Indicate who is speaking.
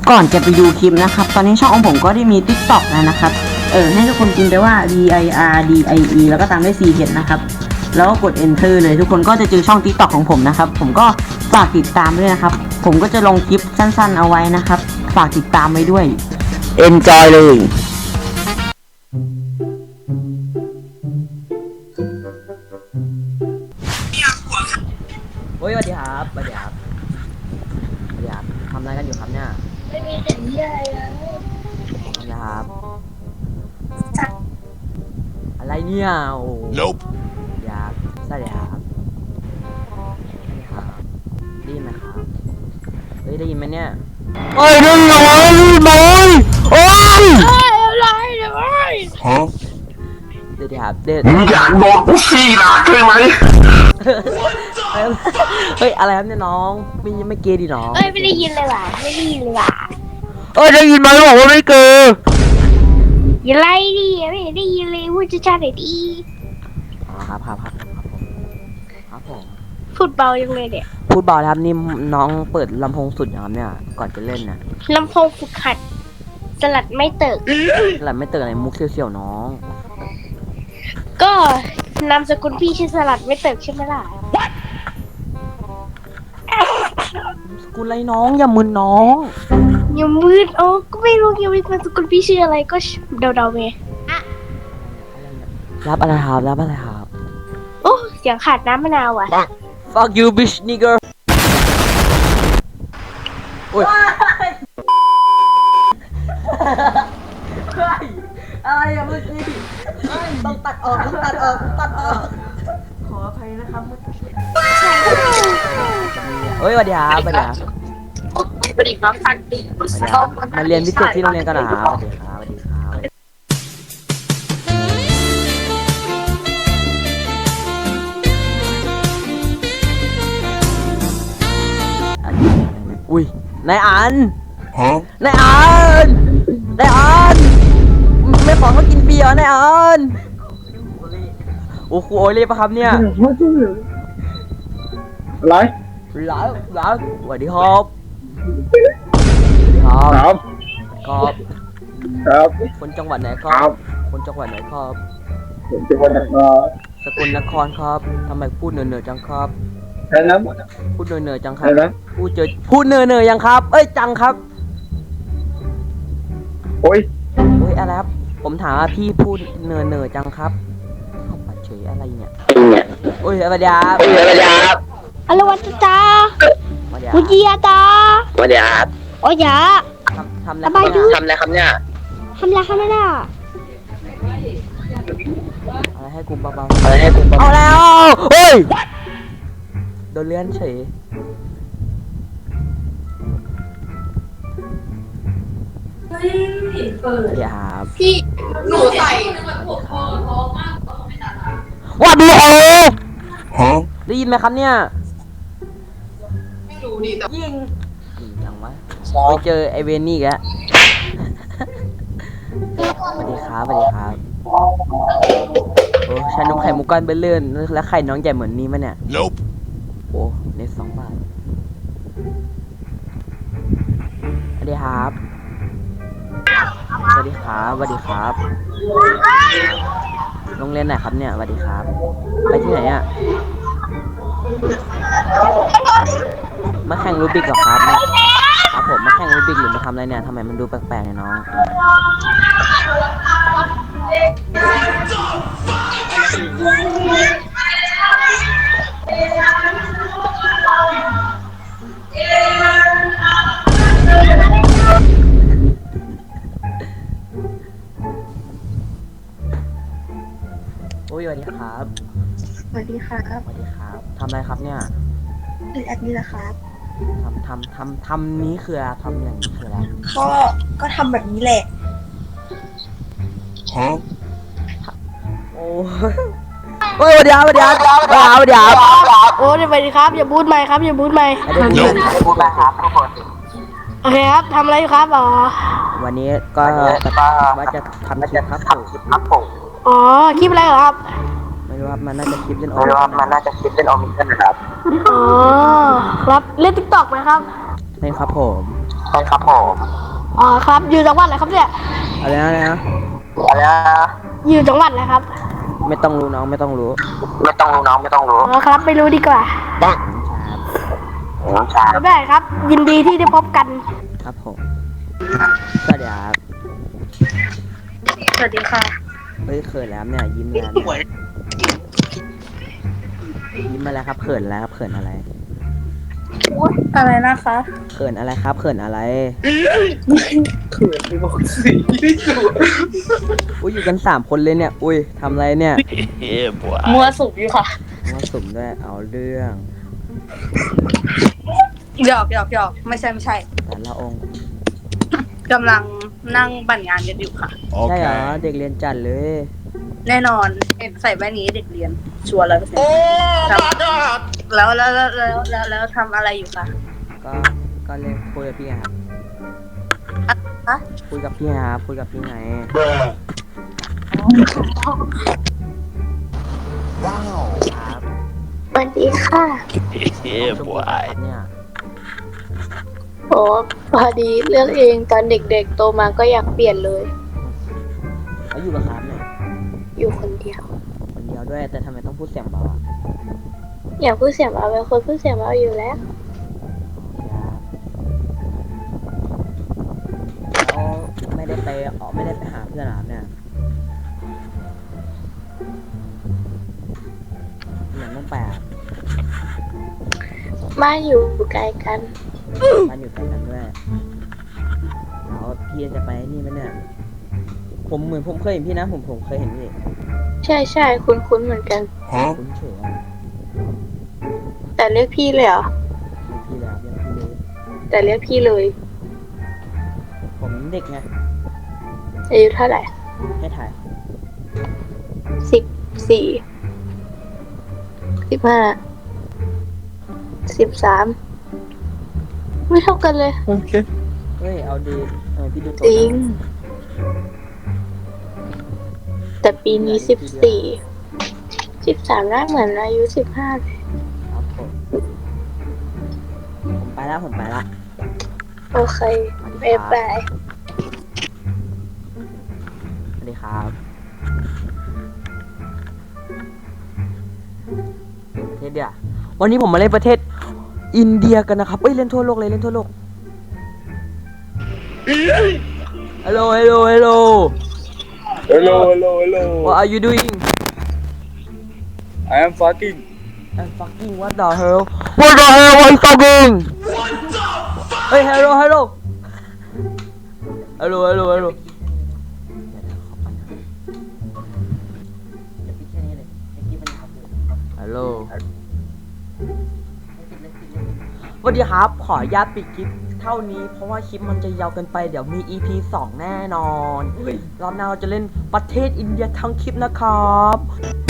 Speaker 1: ก่อนจะไปดูคลิปนะครับตอนนี้ช่องของผมก็ได้มี TikTok แล้วนะครับให้ทุกคนพิมพ์ไปว่า DIRDIE แล้วก็ตามด้วย CH นะครับแล้วก็กด Enter เลยทุกคนก็จะเจอช่อง TikTok ของผมนะครับผมก็ฝากติดตามด้วยนะครับผมก็จะลงคลิปสั้นๆเอาไว้นะครับฝากติดตามไว้ด้วย Enjoy เลยโอ้ยสวัสดีครับสวัสดีครับสวัสดีครับทำอะไรกันอยู่ครับเนี่ย
Speaker 2: ไม่มีเสียงเยอะเลย
Speaker 1: นะครับอะไรเนี่ยโอ้
Speaker 3: Nope
Speaker 1: อยากสวัสดีครับสวัสดีครับได้ยินไหมครับเฮ้ยได้ยินไหมเนี่ยเฮ้ยได้ยินไหมโอ้ย
Speaker 2: อะไรอะไร
Speaker 3: ฮะ
Speaker 1: เดี๋ยวครับเดี๋ยว
Speaker 3: มึงอยากโดนกูขี้หนักใช่ไหม
Speaker 1: เฮ้ยอะไรครับเนี่ยน้องไม่เกย์ดิน้อง
Speaker 2: เอ้ยไม่ได้ยินเลยว่ะไม่ได้ยินเลยว่ะ
Speaker 1: ได้ยินไหมบอกว่าไม่เกย์
Speaker 2: อย่าไล่ดิไม่ได้ยินเลยพูดช้าๆหน่อยดิ
Speaker 1: อ๋อครับครับผม
Speaker 2: พูดเบายังเลยเนี่ย
Speaker 1: พูดเบาแล้วครับนี่น้องเปิดลำโพงสุดนะครับเนี่ยก่อนจะเล่นน่ะ
Speaker 2: ลำโพงฝึกหัดสลัดไม่เติก
Speaker 1: หลับไม่เตือนอะไรมุกเสี่ยวๆน้อง
Speaker 2: ก็นามสกุลพี่ชื่อสลัดไม่เติกใช่ไหมล่ะ
Speaker 1: สกุลอะไรน้องอย่ามึนน้อง
Speaker 2: อย่ามืดโอ้ก็ไม่รู้ยังมีนามสกุลพี่ชื่ออะไรก็เดาๆไง
Speaker 1: รับอะไรครับรับอะไรครับ
Speaker 2: โอ้เสียงขาดน้ำมะนาวอ่ะ
Speaker 1: Fuck you bitch nigger โอ้ยอะไรอะเมื่อกี้ต้องตัดออกขออภัยนะครับเมื่อกี้เฮ้ยสวัสดีครับสวัสดีครับ
Speaker 2: สวัสดีครับท่านดี
Speaker 1: มาเรียนพิเศษที่โรงเรียนกันนะครับสวัสดีครับสวัสดีครับอุ้ยนายอัน
Speaker 3: ฮะ
Speaker 1: นายอันไม่ขอเขากินเบียร์นายอันโอ้โหโอเล่ปะครับเนี่ย
Speaker 3: อะไร
Speaker 1: หลาสวัสดีครับครับ
Speaker 3: ครับ
Speaker 1: ครับ
Speaker 3: ครับ
Speaker 1: คนจังหวัดไหนค
Speaker 3: ค
Speaker 1: รั
Speaker 3: รับ บ
Speaker 1: คนจังหวัดไหนครับ
Speaker 3: ผมจะมาจาก
Speaker 1: สกลนครครับทำไมพูดเหนื่อยๆจังครับ
Speaker 3: แค่นั้น
Speaker 1: พูดเหนื่อยๆจังครั
Speaker 3: แค่
Speaker 1: บ
Speaker 3: นั้น
Speaker 1: พูดเหนื่อยๆยังครับ เอ้ยจังครับ
Speaker 3: โอ้ย
Speaker 1: เฮ้ยอะไรครับผมถามว่าพี่พูดเหนื่อยๆจังครับเข้ามาเฉยอะไรเนี่ยโอ้ยสวัสดีครับ
Speaker 2: อะไรวะจ้า
Speaker 1: สวัสดีค
Speaker 2: วุ
Speaker 1: รับ
Speaker 2: ฒิยาตา
Speaker 4: สวัสดีครับ
Speaker 2: โอ้ยยา
Speaker 1: ทำอะไร
Speaker 2: สบายดี
Speaker 4: ทำอะไรครับเนี่ย
Speaker 2: ทำไรทำไม่ได้
Speaker 1: อะไรให้กูเบา
Speaker 4: อะไรให้ผม
Speaker 1: ๆเอาแล้วเฮ้ยโดนเลื่อนเฉยสวัสดีครับ
Speaker 5: หนูใส่แบบหัวคอท้องมากกว่าไม่ตัดนะ
Speaker 1: สวัสดีครับ
Speaker 3: ฮะ
Speaker 1: ได้ยินไหมครับเนี่ย
Speaker 5: ไม่รู้ดิแต่
Speaker 1: ยิงจังวะไปเจอไอเวนนี่อีกแล้วสวัสดีครับสวัสดีครับโอ้ชานมไข่มุกก้อนเบลเลื่อนแล้วไข่น้องใหญ่เหมือนนี้มั้ยเนี่ย
Speaker 3: Nope
Speaker 1: โอ้เน็ต2 บาทสวัสดีครับสวัสดีครับสวัสดีครับโรงเรียนไหนครับเนี่ยสวัสดีครับไปที่ไหนอ่ะมาแข่งรูบิกเหรอครับเนี่ยครับผมมาแข่งรูบิกหรือมาทำอะไรเนี่ยทำไมมันดูแปลกๆเนี่ยน้องโอ้ยสวัสดีครับ
Speaker 2: สวัสดีครับ
Speaker 1: สวัสดีครับทำอะไรครับเนี่ย
Speaker 2: เป็นแอดมินนะครับ
Speaker 1: ทำนี้คืออะไรทำอย่างนี้คืออะไร
Speaker 2: ก็ทำแบบนี้แหละ
Speaker 3: ฮะ
Speaker 1: โอ้เฮ้ยสวัสดีครับสวัสดีครับสวัสดีครับ
Speaker 2: โอ้สวัสดีครับอย่าบูทไมค์ครับอย่าบูทไมค์
Speaker 1: ไม่ได้พูดครับ
Speaker 2: โอเคครับทำอะไรอยู่ครับอ๋อ
Speaker 1: วันนี้ก็ว่าจะทำคลิปครับผม
Speaker 2: อ๋อคลิปอะไรเหรอครับ
Speaker 1: ไม่รู้ครับมันน่าจะคลิปเล่นโอ
Speaker 4: ไม่รู้ว่ามันน่าจะคิดเป็นออมิเทนนะครับ
Speaker 2: อ๋อครับเล่นติ๊กต็อกไหมครับ
Speaker 1: เล่นครับผม
Speaker 2: อ
Speaker 4: ใช่ครับผม
Speaker 2: อ๋อครับ อยู่จังหวัดอะไรครับเนี่ย
Speaker 1: อะไรนะอะไรนะ
Speaker 4: อะไรนะ
Speaker 2: อยู่จังหวัดอะไรครับ
Speaker 1: ไม่ต้องรู้น้องไม่ต้องรู้
Speaker 4: ไม่ต้องรู้น้องไม่ต้องรู้
Speaker 2: อ๋อครับไม่รู้ดีกว่า
Speaker 4: น้องชาย
Speaker 2: ไม่ได้ครับ ยินดีที่ได้พบกัน
Speaker 1: ครับผมก็เดี๋ยวครับ
Speaker 2: สวัสดีค่ะ
Speaker 1: เฮ้ยเขินแล้วเนี่ยยิ้มแล้วเนี่ยยิ้มมาแล้วครับเขินแล้วครับเขินอะไร
Speaker 2: อะไรนะคะ
Speaker 1: เขินอะไรครับเขินอะไร
Speaker 3: เขื่อนไปบอกสีที่สุด
Speaker 1: อุ้ยอยู่กัน3 คนเลยเนี่ยอุ้ยทำอะไรเนี่ย
Speaker 2: มัวสุกอยู่ค่ะ
Speaker 1: มาสุ่มด้วยเอาเรื่อง
Speaker 6: หยอกไม่ใช่
Speaker 1: แต่ละองค์
Speaker 6: กำลังนั่งบั่นงานกันอยู่ค่ะ
Speaker 1: ใช่เหรอเด็กเรียนจัดเลย
Speaker 6: แน่นอนเห็นใส่แว่นนี้เด็กเรียน ชัวร์100%แล้วทำอะไรอยู่คะ
Speaker 1: ก็ก็เล่นคุยกับพี่ครับ
Speaker 6: ฮะ
Speaker 1: คุยกับพี่ครับคุยกับพี่ไงครับ
Speaker 2: สวัสดีค่ะ
Speaker 1: เนี่ย
Speaker 2: โอ้พอดีเรื่องเองตอนเด็กๆโตมาก็อยากเปลี่ยนเลย
Speaker 1: เขาอยู่กับครับเนี่ย
Speaker 2: อยู่คนเดียว
Speaker 1: คนเดียวด้วยแต่ทำไมต้องพูดเสียงเบาอ่ะ
Speaker 2: อยากพูดเสียงเบาเป็นคนพูดเสียงเบาอยู่แล้ว
Speaker 1: แล้วไม่ได้ไปไม่ได้ไปหาเพื่อนหรอเนี่ยเหมือนต้องแปด
Speaker 2: บ้านอยู่ไกลกัน
Speaker 1: มันอยู่ใกล้กันด้วยแล้วพี่จะไปนี่ไหมเนี่ยผมเหมือนผมเคยเห็นพี่นะผมเคยเห็นพี่
Speaker 2: ใช่คุ้นเหมือนกัน
Speaker 1: คุ้นเฉยอะ
Speaker 2: แต่เรียกพี่เลยเหรอ
Speaker 1: เป็นพี่แล้วยังพี่เลย
Speaker 2: แต่เรียกพี่เลย
Speaker 1: ผมเด็กไง
Speaker 2: อายุเท่าไหร่
Speaker 1: ให้ถ่าย
Speaker 2: 14 15 13ไม่เท่ากันเลย
Speaker 3: โอเค
Speaker 1: เฮ้ยเอาดีพี่ดูตัว
Speaker 2: จริง แต่ปีนี้14 13น่าเหมือนอายุ15เลย
Speaker 1: ครับผมไปแล้ว
Speaker 2: โอเคบ๊ายบาย
Speaker 1: สวัสดีครับประเทศเดียววันนี้ผมมาเล่นประเทศอินเดียกันนะครับเอ้ยเล่นทั่วโลกเลยเล่นทั่วโลก Hello
Speaker 3: hello
Speaker 1: What are you doing
Speaker 3: I am fucking
Speaker 1: I'm fucking what the hell What the hell what is fuckingเฮ้ย hello Hello สวัสดีครับขออนุญาตปิดคลิปเท่านี้เพราะว่าคลิปมันจะยาวเกินไปเดี๋ยวมี EP 2 แน่นอนรอบหน้าเราจะเล่นประเทศอินเดียทั้งคลิปนะครับ